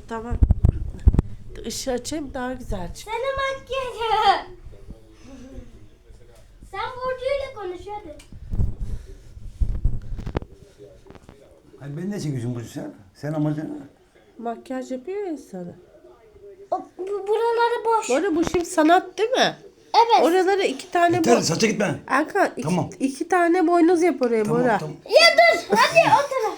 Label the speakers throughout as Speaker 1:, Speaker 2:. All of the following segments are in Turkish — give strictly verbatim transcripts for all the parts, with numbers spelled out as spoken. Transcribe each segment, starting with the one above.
Speaker 1: Tamam. Işığı açayım daha güzel çık.
Speaker 2: Sana makyajı. Sen Burcu'yla konuş hadi.
Speaker 3: Hayır, beni ne çekiyorsun Burcu sen? Sen amacın ne?
Speaker 1: Makyaj yapıyor ya sana.
Speaker 2: O, bu- buraları boş.
Speaker 1: Bu arada bu şimdi sanat değil mi?
Speaker 2: Evet.
Speaker 1: Oralara iki tane
Speaker 3: Yeter,
Speaker 1: bo-
Speaker 3: saça gitme.
Speaker 1: Erkan iki,
Speaker 3: Tamam.
Speaker 1: iki tane boynuz yap oraya
Speaker 3: Tamam,
Speaker 1: Bora.
Speaker 3: tamam.
Speaker 2: Ya dur hadi o taraf.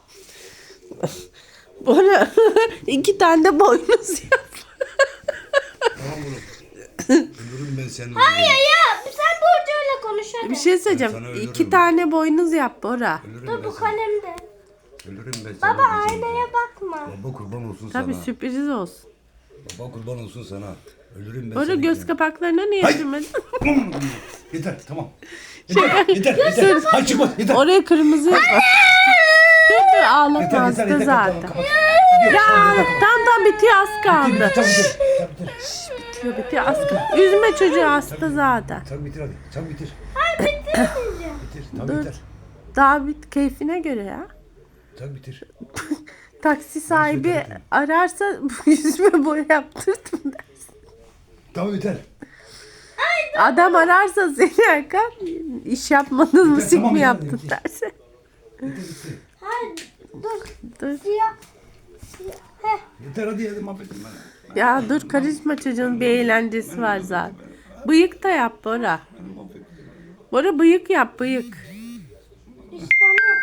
Speaker 1: Bora iki tane de boynuz yap.
Speaker 3: Tamam oğlum. Ölürüm ben seni.
Speaker 2: Hayır ya sen Burcu'yla konuş hadi.
Speaker 1: Bir şey
Speaker 3: Ben
Speaker 1: söyleyeceğim.
Speaker 3: sana ölürüm.
Speaker 1: İki tane boynuz yap Bora.
Speaker 3: Ölürüm
Speaker 2: Dur
Speaker 3: ben
Speaker 2: bu
Speaker 3: sana.
Speaker 2: kalemde.
Speaker 3: Ölürüm ben sana.
Speaker 2: Baba
Speaker 3: diyeceğim.
Speaker 2: aynaya bakma.
Speaker 3: Baba kurban olsun
Speaker 1: Tabii
Speaker 3: sana.
Speaker 1: sürpriz olsun.
Speaker 3: Baba kurban olsun sana. Ölürüm ben
Speaker 1: Bora
Speaker 3: sana.
Speaker 1: göz kapaklarına niye
Speaker 3: Hayır.
Speaker 1: sürmedin?
Speaker 3: Yeter tamam. Yeter yeter yeter. Hayır çıkma yeter.
Speaker 1: Oraya kırmızı yap. Dur dur ağlama
Speaker 3: Yeter
Speaker 1: hasta
Speaker 3: yeter yeter.
Speaker 1: zaten.
Speaker 3: Tamam, kapat. Gidiyor,
Speaker 1: Ya
Speaker 3: tamam, yeter, tamam.
Speaker 1: tam tam bitiyor az kaldı.
Speaker 3: Bitir, Çabuk bitir. Çabuk bitir.
Speaker 1: Bitiyor bitiyor az kaldı. Üzme çocuğu hasta zaten.
Speaker 3: Çabuk bitir hadi. Çabuk bitir.
Speaker 2: Hayır bitirmeyeceğim.
Speaker 3: Bitir. Tamam
Speaker 1: Dur.
Speaker 3: yeter.
Speaker 1: Daha bit keyfine göre ya.
Speaker 3: Çabuk bitir.
Speaker 1: Taksi sahibi
Speaker 3: yeter.
Speaker 1: ararsa yüzme boya yaptırdım dersin.
Speaker 3: Tamam yeter.
Speaker 1: Adam ararsa seni Erkan iş yapmadın mı
Speaker 3: Yeter,
Speaker 1: sik
Speaker 3: tamam,
Speaker 1: mi
Speaker 3: yeter,
Speaker 1: yaptın
Speaker 3: yeter.
Speaker 1: derse.
Speaker 3: Yeter bitti.
Speaker 2: Hayır dur.
Speaker 1: Dur.
Speaker 2: Siyah. Siyah. Heh.
Speaker 3: Yeter hadi hadi mahvettim beni.
Speaker 1: Ya dur karışma çocuğun bir eğlencesi var zaten. Bıyık da yap Bora. Bora bıyık yap bıyık.
Speaker 2: İşte onu.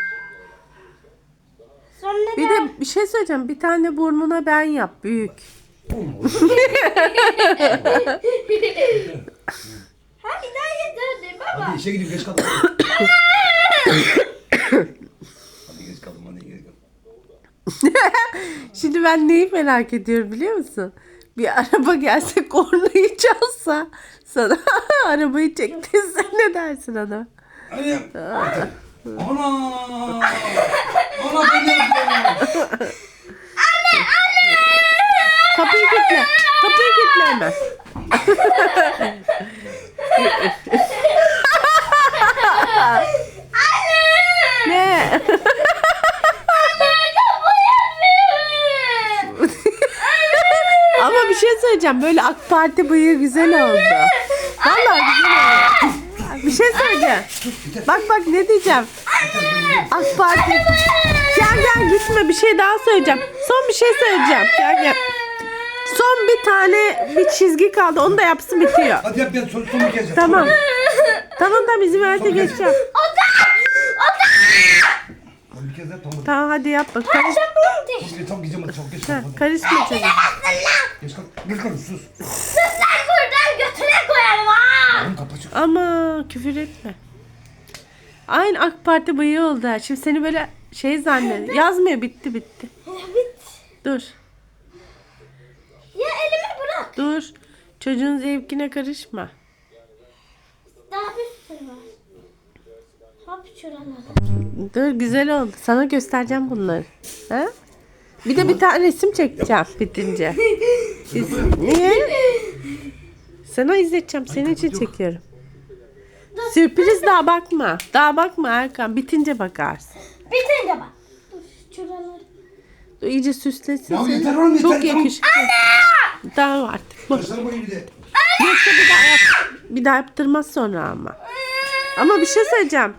Speaker 2: Sonra
Speaker 1: Bir
Speaker 2: da
Speaker 1: de bir şey söyleyeceğim. Bir tane burnuna ben yap büyük.
Speaker 2: hadi daha yeter baba.
Speaker 3: Hadi işe gideyim geç kaldım. Hadi geç kaldım hadi geç kaldım.
Speaker 1: Şimdi ben neyi merak ediyorum biliyor musun? Bir araba gelse kornayı çalsa sana arabayı çektirse ne dersin ona?
Speaker 3: Hadi yap. Yeter. Ana! Ana ben ne yapıyorum?
Speaker 1: Kapıyı kilitle. Kapıyı kilitle hemen. Ne? Ama bir şey söyleyeceğim. Böyle AK Parti bıyığı güzel oldu. Vallahi güzel oldu. Bir şey söyleyeceğim. Bak bak ne diyeceğim. AK Parti. Gel gel gitme bir şey daha söyleyeceğim. Son bir şey söyleyeceğim. Gel gel. Son bir tane bir çizgi kaldı. Onu da yapsın bitiyor.
Speaker 3: Hadi yap ben son, son bir kez yap.
Speaker 1: Tamam. Tamam tamam izin verse geçeceğim.
Speaker 3: Son bir kez yap tamam.
Speaker 1: Tamam hadi yap bak. Karış,
Speaker 3: Çok geç çok gideceğim hadi çok geç
Speaker 1: ha,
Speaker 3: kaldım. hadi.
Speaker 1: karışma çocuğum.
Speaker 3: Geç kalk. Geç kalk sus.
Speaker 2: Sen buradan götüne koyarım ha.
Speaker 3: Oğlum kapı çık.
Speaker 1: Ama küfür etme. Aynı AK Parti bıyığı oldu. ha. Şimdi seni böyle şey zannediyor. Yazmıyor bitti bitti.
Speaker 2: Bit.
Speaker 1: Dur.
Speaker 2: Ya elimi bırak.
Speaker 1: Dur. Çocuğun zevkine karışma.
Speaker 2: Daha bir sürü var. Hop şuralara.
Speaker 1: Dur güzel oldu. Sana göstereceğim bunları. Ha? Bir de bir tane resim çekeceğim bitince. İz- Niye? Sana izleteceğim. Senin için çekiyorum. Sürpriz daha bakma. Daha bakma Erkan. Bitince bakarsın.
Speaker 2: Bitince bak. Dur şuraları.
Speaker 1: Dur, iyice süslesin
Speaker 3: Ya
Speaker 1: seni.
Speaker 3: yeter oğlum, yeter,
Speaker 1: Çok
Speaker 3: tamam.
Speaker 1: yakışıklı. Tamam artık. Bu.
Speaker 3: Başlarım boyu bir de.
Speaker 1: Yoksa bir daha yap. Bir daha yaptırmaz sonra ama. Ama bir şey söyleyeceğim.